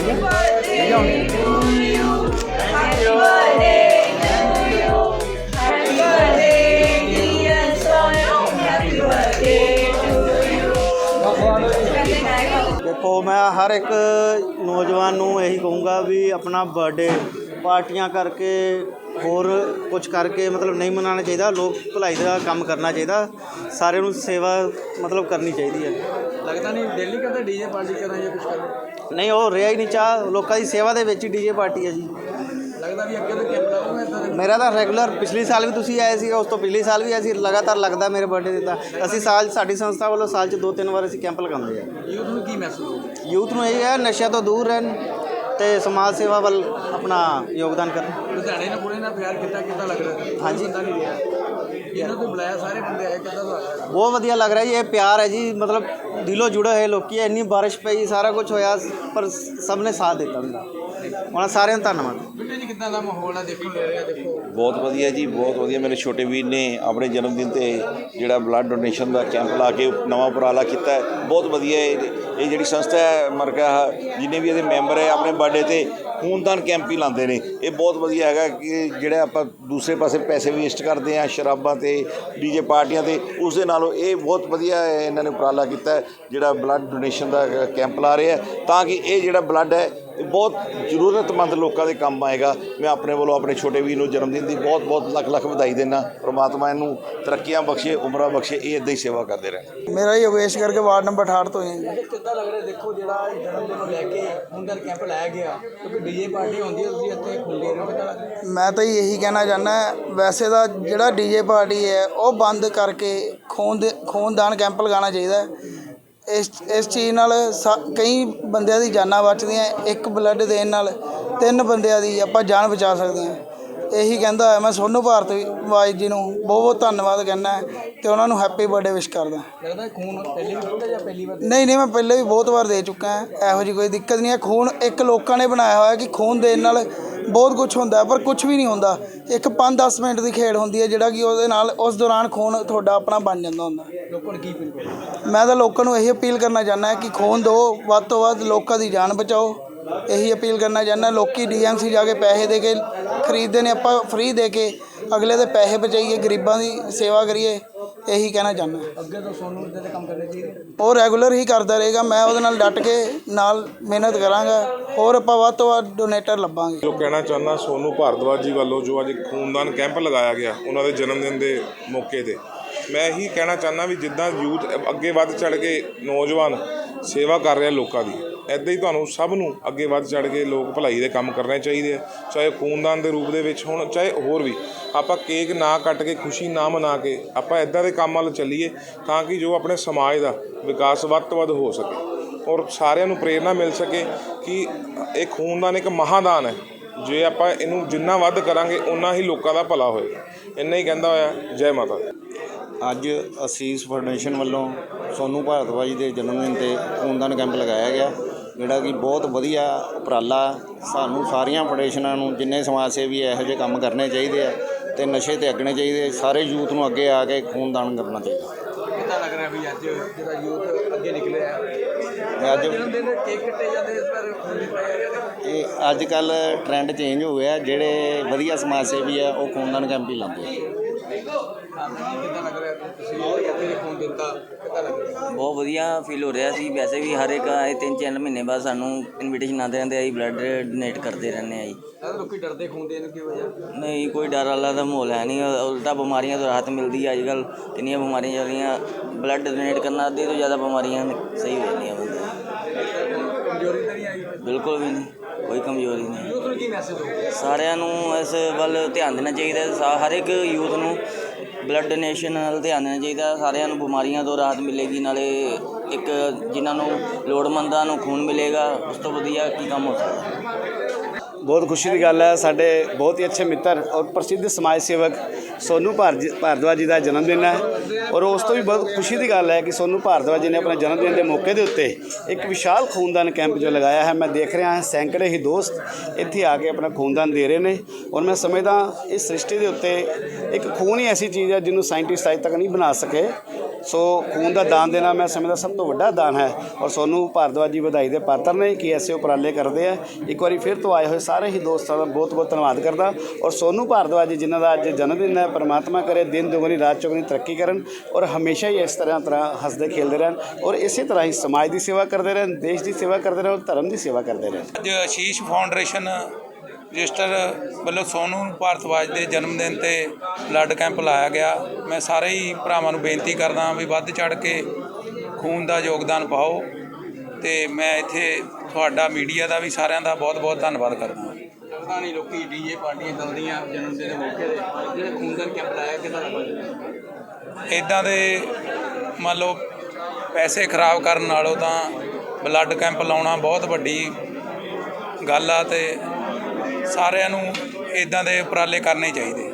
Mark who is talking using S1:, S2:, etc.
S1: देखो मैं हर एक नौजवान ਨੂੰ ਇਹੀ ਕਹੂੰਗਾ ਵੀ ਆਪਣਾ ਬਰਥਡੇ ਪਾਰਟੀਆਂ ਕਰਕੇ ਹੋਰ ਕੁਝ ਕਰਕੇ ਮਤਲਬ ਨਹੀਂ ਮਨਾਉਣਾ ਚਾਹੀਦਾ। ਲੋਕ ਭਲਾਈ ਦਾ ਕੰਮ ਕਰਨਾ ਚਾਹੀਦਾ, ਸਾਰਿਆਂ ਨੂੰ ਸੇਵਾ ਮਤਲਬ ਕਰਨੀ ਚਾਹੀਦੀ ਹੈ।
S2: ਲੱਗਦਾ ਨਹੀਂ ਦਿੱਲੀ ਕਹਿੰਦਾ ਡੀਜੇ ਪਾਰਟੀ ਕਰਾਂ ਜਾਂ ਕੁਝ ਕਰਾਂ,
S1: ਨਹੀਂ ਉਹ ਰਿਹਾ ਹੀ ਨਹੀਂ ਚਾਹ ਲੋਕਾਂ ਦੀ ਸੇਵਾ ਦੇ ਵਿੱਚ ਹੀ ਡੀਜੇ ਪਾਰਟੀ ਹੈ ਜੀ।
S2: ਲੱਗਦਾ ਵੀ ਅੱਗੇ ਤੋਂ ਕੈਂਪ ਲਾਉਂਗਾ ਇੱਦਾਂ ਦੇ।
S1: ਮੇਰਾ ਤਾਂ ਰੈਗੂਲਰ ਪਿਛਲੇ ਸਾਲ ਵੀ ਤੁਸੀਂ ਆਏ ਸੀ, ਉਸ ਤੋਂ ਪਿਛਲੇ ਸਾਲ ਵੀ ਅਸੀਂ ਲਗਾਤਾਰ ਲੱਗਦਾ ਮੇਰੇ ਬਰਥਡੇ 'ਤੇ। ਤਾਂ ਅਸੀਂ ਸਾਡੀ ਸੰਸਥਾ ਵੱਲੋਂ ਸਾਲ 'ਚ 2-3 ਵਾਰ ਅਸੀਂ ਕੈਂਪ ਲਗਾਉਂਦੇ ਆ।
S2: ਯੂਥ ਨੂੰ ਕੀ ਮੈਸੇਜ ਹੋਊਗਾ?
S1: ਯੂਥ ਨੂੰ ਇਹ ਹੈ ਨਸ਼ਿਆਂ ਤੋਂ ਦੂਰ ਰਹਿਣ ਅਤੇ ਸਮਾਜ ਸੇਵਾ ਵੱਲ ਆਪਣਾ ਯੋਗਦਾਨ ਕਰਨ।
S2: ਲੁਧਿਆਣੇ ਨੇ ਕੁੜੀ ਨਾਲ ਪਿਆਰ ਕਿੱਦਾਂ ਲੱਗ ਰਿਹਾ?
S1: ਹਾਂਜੀ
S2: ਪਤਾ ਨਹੀਂ ਰਿਹਾ ਇਹਨਾਂ ਤੋਂ ਬੁਲਾਇਆ, ਸਾਰੇ ਬੰਦੇ ਆਏ, ਕਿੱਦਾਂ ਦਾ ਲੱਗ ਰਿਹਾ?
S1: ਬਹੁਤ ਵਧੀਆ ਲੱਗ ਰਿਹਾ ਜੀ। ਇਹ ਪਿਆਰ ਹੈ ਜੀ, ਮਤਲਬ ਦਿਲੋਂ ਜੁੜੇ ਹੋਏ ਲੋਕੀ। ਇੰਨੀ ਬਾਰਿਸ਼ ਪਈ, ਸਾਰਾ ਕੁਝ ਹੋਇਆ, ਪਰ ਸਭ ਨੇ ਸਾਥ ਦਿੱਤਾ ਹੁੰਦਾ। ਉਹਨਾਂ ਸਾਰਿਆਂ ਦਾ ਧੰਨਵਾਦ।
S2: ਬਿੱਟੂ ਜੀ ਕਿੱਦਾਂ ਦਾ ਮਾਹੌਲ ਹੈ ਦੇਖਣ ਲੈ ਰਿਹਾ? ਦੇਖੋ
S3: ਬਹੁਤ ਵਧੀਆ ਜੀ, ਬਹੁਤ ਵਧੀਆ। ਮੇਰੇ ਛੋਟੇ ਵੀਰ ਨੇ ਆਪਣੇ ਜਨਮ ਦਿਨ 'ਤੇ ਜਿਹੜਾ ਬਲੱਡ ਡੋਨੇਸ਼ਨ ਦਾ ਕੈਂਪ ਲਾ ਕੇ ਨਵਾਂ ਉਪਰਾਲਾ ਕੀਤਾ ਹੈ, ਬਹੁਤ ਵਧੀਆ। ਇਹ ਜਿਹੜੀ ਸੰਸਥਾ ਹੈ ਮਰਕਾ, ਜਿੰਨੇ ਵੀ ਇਹਦੇ ਮੈਂਬਰ ਹੈ ਆਪਣੇ ਬਰਥਡੇ 'ਤੇ ਖੂਨਦਾਨ ਕੈਂਪ ਹੀ ਲਾਉਂਦੇ ਨੇ। ਇਹ ਬਹੁਤ ਵਧੀਆ ਹੈਗਾ ਕਿ ਜਿਹੜਾ ਆਪਾਂ ਦੂਸਰੇ ਪਾਸੇ ਪੈਸੇ ਵੇਸਟ ਕਰਦੇ ਹਾਂ ਸ਼ਰਾਬਾਂ 'ਤੇ, ਡੀਜੇ ਪਾਰਟੀਆਂ 'ਤੇ, ਉਸ ਦੇ ਨਾਲੋਂ ਇਹ ਬਹੁਤ ਵਧੀਆ ਇਹਨਾਂ ਨੇ ਉਪਰਾਲਾ ਕੀਤਾ ਜਿਹੜਾ ਬਲੱਡ ਡੋਨੇਸ਼ਨ ਦਾ ਕੈਂਪ ਲਾ ਰਹੇ ਆ, ਤਾਂ ਕਿ ਇਹ ਜਿਹੜਾ ਬਲੱਡ ਹੈ ਇਹ ਬਹੁਤ ਜ਼ਰੂਰਤਮੰਦ ਲੋਕਾਂ ਦੇ ਕੰਮ ਆਏਗਾ। ਮੈਂ ਆਪਣੇ ਵੱਲੋਂ ਆਪਣੇ ਛੋਟੇ ਵੀਰ ਨੂੰ ਜਨਮ ਦਿਨ ਦੀ ਬਹੁਤ ਲੱਖ ਵਧਾਈ ਦਿੰਦਾ। ਪ੍ਰਮਾਤਮਾ ਇਹਨੂੰ ਤਰੱਕੀਆਂ ਬਖਸ਼ੇ, ਉਮਰਾਂ ਬਖਸ਼ੇ, ਇਹ ਇੱਦਾਂ ਹੀ ਸੇਵਾ ਕਰਦੇ ਰਹਿਣ।
S1: ਮੇਰਾ ਯੋਗੇਸ਼ ਕਰਕੇ ਵਾਰਡ ਨੰਬਰ 68 ਤੋਂ ਹੈ।
S2: ਕਿੱਦਾਂ ਲੱਗ ਰਿਹਾ? ਦੇਖੋ ਜਿਹੜਾ ਜਨਮ ਦਿਨ ਨੂੰ ਲੈ ਕੇ ਖੂਨਦਾਨ ਕੈਂਪ ਲਾਇਆ ਗਿਆ, ਕਿਉਂਕਿ ਡੀਜੇ ਪਾਰਟੀ ਹੁੰਦੀ ਹੈ, ਤੁਸੀਂ ਇੱਥੇ ਖੂਨ ਦੇ ਰਹੇ ਹੋ, ਕਿੱਦਾਂ ਲੱਗ ਰਿਹਾ?
S1: ਮੈਂ ਤਾਂ ਇਹੀ ਕਹਿਣਾ ਚਾਹੁੰਦਾ, ਵੈਸੇ ਤਾਂ ਜਿਹੜਾ ਡੀਜੇ ਪਾਰਟੀ ਹੈ ਉਹ ਬੰਦ ਕਰਕੇ ਖੂਨਦਾਨ ਕੈਂਪ ਲਗਾਉਣਾ ਚਾਹੀਦਾ ਹੈ। ਇਸ ਚੀਜ਼ ਨਾਲ ਕਈ ਬੰਦਿਆਂ ਦੀ ਜਾਨਾਂ ਬਚਦੀਆਂ। ਇੱਕ ਬਲੱਡ ਦੇਣ ਨਾਲ 3 ਬੰਦਿਆਂ ਦੀ ਆਪਾਂ ਜਾਨ ਬਚਾ ਸਕਦੇ ਹਾਂ। ਇਹੀ ਕਹਿੰਦਾ ਹੋਇਆ ਮੈਂ ਸੋਨੂੰ ਭਾਰਤਵਾਜ ਜੀ ਨੂੰ ਬਹੁਤ ਧੰਨਵਾਦ ਕਹਿੰਦਾ ਅਤੇ ਉਹਨਾਂ ਨੂੰ ਹੈਪੀ ਬਰਥਡੇ ਵਿਸ਼ ਕਰਦਾ।
S2: ਲੱਗਦਾ ਖੂਨ ਪਹਿਲੀ ਵਾਰ ਦਿੱਤਾ ਜਾਂ ਪਹਿਲੀ ਵਾਰ?
S1: ਨਹੀਂ ਮੈਂ ਪਹਿਲੇ ਵੀ ਬਹੁਤ ਵਾਰ ਦੇ ਚੁੱਕਾ ਹਾਂ। ਇਹੋ ਜਿਹੀ ਕੋਈ ਦਿੱਕਤ ਨਹੀਂ ਹੈ। ਖੂਨ ਇੱਕ ਲੋਕਾਂ ਨੇ ਬਣਾਇਆ ਹੋਇਆ ਕਿ ਖੂਨ ਦੇਣ ਨਾਲ ਬਹੁਤ ਕੁਝ ਹੁੰਦਾ, ਪਰ ਕੁਝ ਵੀ ਨਹੀਂ ਹੁੰਦਾ। ਇੱਕ 5-10 ਮਿੰਟ ਦੀ ਖੇਡ ਹੁੰਦੀ ਹੈ ਜਿਹੜਾ ਕਿ ਉਹਦੇ ਨਾਲ ਉਸ ਦੌਰਾਨ ਖੂਨ ਤੁਹਾਡਾ ਆਪਣਾ ਬਣ ਜਾਂਦਾ ਹੁੰਦਾ।
S2: ਲੋਕਾਂ ਨੂੰ ਕੀ ਅਪੀਲ ਕਰੋ?
S1: ਮੈਂ ਤਾਂ ਲੋਕਾਂ ਨੂੰ ਇਹੀ ਅਪੀਲ ਕਰਨਾ ਚਾਹੁੰਦਾ ਕਿ ਖੂਨ ਦਿਓ, ਵੱਧ ਤੋਂ ਵੱਧ ਲੋਕਾਂ ਦੀ ਜਾਨ ਬਚਾਓ। ਇਹੀ ਅਪੀਲ ਕਰਨਾ ਚਾਹੁੰਦਾ। ਲੋਕੀ DMC ਜਾ ਕੇ ਪੈਸੇ ਦੇ ਕੇ ਖਰੀਦਦੇ ਨੇ, ਆਪਾਂ ਫ੍ਰੀ ਦੇ ਕੇ ਅਗਲੇ ਦੇ ਪੈਸੇ ਬਚਾਈਏ, ਗਰੀਬਾਂ ਦੀ ਸੇਵਾ ਕਰੀਏ। ਇਹੀ ਕਹਿਣਾ ਚਾਹੁੰਦਾ।
S2: ਅੱਗੇ ਤੋਂ ਸੋਨੂੰ ਇੱਦਾਂ ਦੇ ਕੰਮ ਕਰਨੇ ਚਾਹੀਦੇ,
S1: ਉਹ ਰੈਗੂਲਰ ਹੀ ਕਰਦਾ ਰਹੇਗਾ। ਮੈਂ ਉਹਦੇ ਨਾਲ ਡਟ ਕੇ ਨਾਲ ਮਿਹਨਤ ਕਰਾਂਗਾ। ਹੋਰ ਆਪਾਂ ਵੱਧ ਤੋਂ ਵੱਧ ਡੋਨੇਟਰ ਲੱਭਾਂਗੇ।
S4: ਜੋ ਕਹਿਣਾ ਚਾਹੁੰਦਾ ਸੋਨੂੰ ਭਾਰਦਵਾਜ ਜੀ ਵੱਲੋਂ ਜੋ ਅੱਜ ਖੂਨਦਾਨ ਕੈਂਪ ਲਗਾਇਆ ਗਿਆ ਉਹਨਾਂ ਦੇ ਜਨਮ ਦਿਨ ਦੇ ਮੌਕੇ 'ਤੇ, ਮੈਂ ਇਹੀ ਕਹਿਣਾ ਚਾਹੁੰਦਾ ਵੀ ਜਿੱਦਾਂ ਯੂਥ ਅੱਗੇ ਵੱਧ ਚੜ੍ਹ ਕੇ ਨੌਜਵਾਨ ਸੇਵਾ ਕਰ ਰਿਹਾ ਲੋਕਾਂ ਦੀ, ਇੱਦਾਂ ਹੀ ਤੁਹਾਨੂੰ ਸਭ ਨੂੰ ਅੱਗੇ ਵੱਧ ਚੜ੍ਹ ਕੇ ਲੋਕ ਭਲਾਈ ਦੇ ਕੰਮ ਕਰਨੇ ਚਾਹੀਦੇ ਆ। ਚਾਹੇ ਖੂਨਦਾਨ ਦੇ ਰੂਪ ਦੇ ਵਿੱਚ ਹੋਣ, ਚਾਹੇ ਹੋਰ ਵੀ। ਆਪਾਂ ਕੇਕ ਨਾ ਕੱਟ ਕੇ, ਖੁਸ਼ੀ ਨਾ ਮਨਾ ਕੇ ਆਪਾਂ ਇੱਦਾਂ ਦੇ ਕੰਮ ਵੱਲ ਚੱਲੀਏ ਤਾਂ ਕਿ ਜੋ ਆਪਣੇ ਸਮਾਜ ਦਾ ਵਿਕਾਸ ਵੱਧ ਤੋਂ ਵੱਧ ਹੋ ਸਕੇ ਔਰ ਸਾਰਿਆਂ ਨੂੰ ਪ੍ਰੇਰਨਾ ਮਿਲ ਸਕੇ ਕਿ ਇਹ ਖੂਨਦਾਨ ਇੱਕ ਮਹਾਦਾਨ ਹੈ। ਜੇ ਆਪਾਂ ਇਹਨੂੰ ਜਿੰਨਾ ਵੱਧ ਕਰਾਂਗੇ ਓਨਾ ਹੀ ਲੋਕਾਂ ਦਾ ਭਲਾ ਹੋਏਗਾ। ਇੰਨਾ ਹੀ ਕਹਿੰਦਾ ਹੋਇਆ। ਜੈ ਮਾਤਾ ਦੀ।
S5: ਅੱਜ ਅਸੀਸ ਫਾਊਂਡੇਸ਼ਨ ਵੱਲੋਂ ਸੋਨੂੰ ਭਾਰਦਵਾਜ ਦੇ ਜਨਮ ਦਿਨ 'ਤੇ ਖੂਨਦਾਨ ਕੈਂਪ ਲਗਾਇਆ ਗਿਆ, ਜਿਹੜਾ ਕਿ ਬਹੁਤ ਵਧੀਆ ਉਪਰਾਲਾ। ਸਾਨੂੰ ਸਾਰੀਆਂ ਫਾਊਂਡੇਸ਼ਨਾਂ ਨੂੰ, ਜਿੰਨੇ ਸਮਾਜ ਸੇਵੀ ਇਹੋ ਜਿਹੇ ਕੰਮ ਕਰਨੇ ਚਾਹੀਦੇ ਆ ਅਤੇ ਨਸ਼ੇ 'ਤੇ ਅੱਗਣੇ ਚਾਹੀਦੇ। ਸਾਰੇ ਯੂਥ ਨੂੰ ਅੱਗੇ ਆ ਕੇ ਖੂਨਦਾਨ ਕਰਨਾ ਚਾਹੀਦਾ।
S2: ਕਿੱਦਾਂ ਲੱਗ ਰਿਹਾ ਵੀ ਅੱਜ ਜਿਹੜਾ ਯੂਥ ਅੱਗੇ ਨਿਕਲਿਆ?
S5: ਅੱਜ
S2: ਜਨਮ ਦਿਨ ਦੇ ਕੇਕ ਕੱਟੇ ਜਾਂਦੇ, ਇਸ ਪਰ ਖੂਨ ਦਿੱਤਾ ਜਾ ਰਿਹਾ।
S5: ਇਹ ਅੱਜ ਕੱਲ੍ਹ ਟਰੈਂਡ ਚੇਂਜ ਹੋ ਗਿਆ। ਜਿਹੜੇ ਵਧੀਆ ਸਮਾਜ ਸੇਵੀ ਆ ਉਹ ਖੂਨਦਾਨ ਕੈਂਪ ਹੀ ਲਾਉਂਦੇ ਆ।
S2: ਕਿੱਦਾਂ ਲੱਗ ਰਿਹਾ? ਤੁਸੀਂ ਇੱਥੇ ਖੂਨ ਦਿੱਤਾ, ਕਿੱਦਾਂ ਲੱਗ ਰਿਹਾ?
S6: ਬਹੁਤ ਵਧੀਆ ਫੀਲ ਹੋ ਰਿਹਾ ਸੀ। ਵੈਸੇ ਵੀ ਹਰ ਇੱਕ ਆਏ 3-4 ਮਹੀਨੇ ਬਾਅਦ ਸਾਨੂੰ ਇਨਵੀਟੇਸ਼ਨ ਆਉਂਦੇ ਰਹਿੰਦੇ, ਅਸੀਂ ਬਲੱਡ ਡੋਨੇਟ ਕਰਦੇ ਰਹਿੰਦੇ ਆ ਜੀ।
S2: ਲੋਕੀ ਡਰਦੇ ਖੂਨ ਦੇਣ ਕੀ ਵਜ੍ਹਾ?
S6: ਨਹੀਂ, ਕੋਈ ਡਰ ਵਾਲਾ ਦਾ ਮਾਹੌਲ ਹੈ ਨਹੀਂ। ਉਲਟਾ ਬਿਮਾਰੀਆਂ ਤੋਂ ਰਾਹਤ ਮਿਲਦੀ ਹੈ। ਅੱਜ ਕੱਲ੍ਹ ਕਿੰਨੀਆਂ ਬਿਮਾਰੀਆਂ ਚੱਲ ਰਹੀਆਂ, ਬਲੱਡ ਡੋਨੇਟ ਕਰਨਾ ਅੱਧੇ ਤੋਂ ਜ਼ਿਆਦਾ ਬਿਮਾਰੀਆਂ ਸਹੀ ਹੋ ਜਾਂਦੀਆਂ ਬੰਦੇ।
S2: ਕਮਜ਼ੋਰੀ ਤਾਂ ਨਹੀਂ ਆਈ?
S6: ਬਿਲਕੁਲ ਵੀ ਨਹੀਂ, ਕੋਈ ਕਮਜ਼ੋਰੀ ਨਹੀਂ।
S2: ਯੂਥ ਨੂੰ ਕੀ ਮੈਸੇਜ ਹੋਊਗਾ?
S6: ਸਾਰਿਆਂ ਨੂੰ ਇਸ ਵੱਲ ਧਿਆਨ ਦੇਣਾ ਚਾਹੀਦਾ। ਹਰ ਇੱਕ ਯੂਥ ਨੂੰ ਬਲੱਡ ਡੋਨੇਸ਼ਨ ਵੱਲ ਧਿਆਨ ਦੇਣਾ ਚਾਹੀਦਾ। ਸਾਰਿਆਂ ਨੂੰ ਬਿਮਾਰੀਆਂ ਤੋਂ ਰਾਹਤ ਮਿਲੇਗੀ, ਨਾਲੇ ਇੱਕ ਜਿਨ੍ਹਾਂ ਨੂੰ ਲੋੜਵੰਦਾਂ ਨੂੰ ਖੂਨ ਮਿਲੇਗਾ। ਉਸ ਤੋਂ ਵਧੀਆ ਕੀ ਕੰਮ ਹੋ ਸਕਦਾ।
S7: बहुत खुशी की गल है। साढ़े बहुत ही अच्छे मित्र और प्रसिद्ध समाज सेवक सोनू भारद्वाज जी का जन्मदिन है और उस तो भी बहुत खुशी की गल है कि सोनू भारद्वाज जी ने अपने जन्मदिन के मौके के उत्ते एक विशाल खूनदान कैंप जो लगाया है। मैं देख रहा सैकड़े ही दोस्त इत्थे आके अपना खूनदान दे रहे हैं और मैं समझदा इस सृष्टि के उत्ते एक खून ही ऐसी चीज़ है जिन्होंने साइंटिस्ट अज तक नहीं बना सके। ਸੋ ਖੂਨ ਦਾ ਦਾਨ ਦੇਣਾ ਮੈਂ ਸਮਝਦਾ ਸਭ ਤੋਂ ਵੱਡਾ ਦਾਨ ਹੈ ਔਰ ਸੋਨੂੰ ਭਾਰਦਵਾਜ ਜੀ ਵਧਾਈ ਦੇ ਪਾਤਰ ਨੇ ਕਿ ਐਸੇ ਉਪਰਾਲੇ ਕਰਦੇ ਆ। ਇੱਕ ਵਾਰੀ ਫਿਰ ਤੋਂ ਆਏ ਹੋਏ ਸਾਰੇ ਹੀ ਦੋਸਤਾਂ ਦਾ ਬਹੁਤ ਬਹੁਤ ਧੰਨਵਾਦ ਕਰਦਾ ਔਰ ਸੋਨੂੰ ਭਾਰਦਵਾਜ ਜੀ ਜਿਨ੍ਹਾਂ ਦਾ ਅੱਜ ਜਨਮ ਦਿਨ ਹੈ, ਪਰਮਾਤਮਾ ਕਰੇ ਦਿਨ ਦੁਗਣੀ ਰਾਤ ਚੌਗੁਣੀ ਤਰੱਕੀ ਕਰਨ ਔਰ ਹਮੇਸ਼ਾ ਹੀ ਇਸ ਤਰ੍ਹਾਂ ਹੱਸਦੇ ਖੇਲਦੇ ਰਹਿਣ ਔਰ ਇਸੇ ਤਰ੍ਹਾਂ ਹੀ ਸਮਾਜ ਦੀ ਸੇਵਾ ਕਰਦੇ ਰਹਿਣ, ਦੇਸ਼ ਦੀ ਸੇਵਾ ਕਰਦੇ ਰਹਿਣ ਔਰ ਧਰਮ ਦੀ ਸੇਵਾ ਕਰਦੇ ਰਹਿਣ।
S8: ਅੱਜ ਆਸ਼ੀਸ਼ ਫਾਊਂਡੇਸ਼ਨ ਰਜਿਸਟਰ ਵੱਲੋਂ ਸੋਨੂੰ ਭਾਰਦਵਾਜ ਦੇ ਜਨਮ ਦਿਨ ਤੇ ਬਲੱਡ ਕੈਂਪ ਲਾਇਆ ਗਿਆ। ਮੈਂ ਸਾਰੇ ਹੀ ਭਰਾਵਾਂ ਨੂੰ ਬੇਨਤੀ ਕਰਦਾ ਵੀ ਵੱਧ ਚੜ੍ਹ ਕੇ ਖੂਨ ਦਾ ਯੋਗਦਾਨ ਪਾਓ ਤੇ ਮੈਂ ਇੱਥੇ ਤੁਹਾਡਾ ਮੀਡੀਆ ਦਾ ਵੀ ਸਾਰਿਆਂ ਦਾ ਬਹੁਤ ਬਹੁਤ ਧੰਨਵਾਦ ਕਰਦਾ।
S2: ਲੱਗਦਾ ਨਹੀਂ ਲੋਕੀ ਡੀਜੇ ਪਾਰਟੀਆਂ ਚੱਲਦੀਆਂ ਜਨਮ ਦਿਨ ਦੇ ਮੌਕੇ ਤੇ ਜਿਹੜੇ ਖੂਨਦਾਨ ਕੈਂਪ ਲਾਇਆ ਕਿਹਦਾ ਲੱਗਦਾ?
S8: ਇੱਦਾਂ ਦੇ ਮੰਨ ਲਓ ਪੈਸੇ ਖਰਾਬ ਕਰਨ ਨਾਲੋਂ ਤਾਂ ਬਲੱਡ ਕੈਂਪ ਲਾਉਣਾ ਬਹੁਤ ਵੱਡੀ ਗੱਲ ਆ ਤੇ ਸਾਰਿਆਂ ਨੂੰ ਇੱਦਾਂ ਦੇ ਉਪਰਾਲੇ ਕਰਨੇ ਚਾਹੀਦੇ।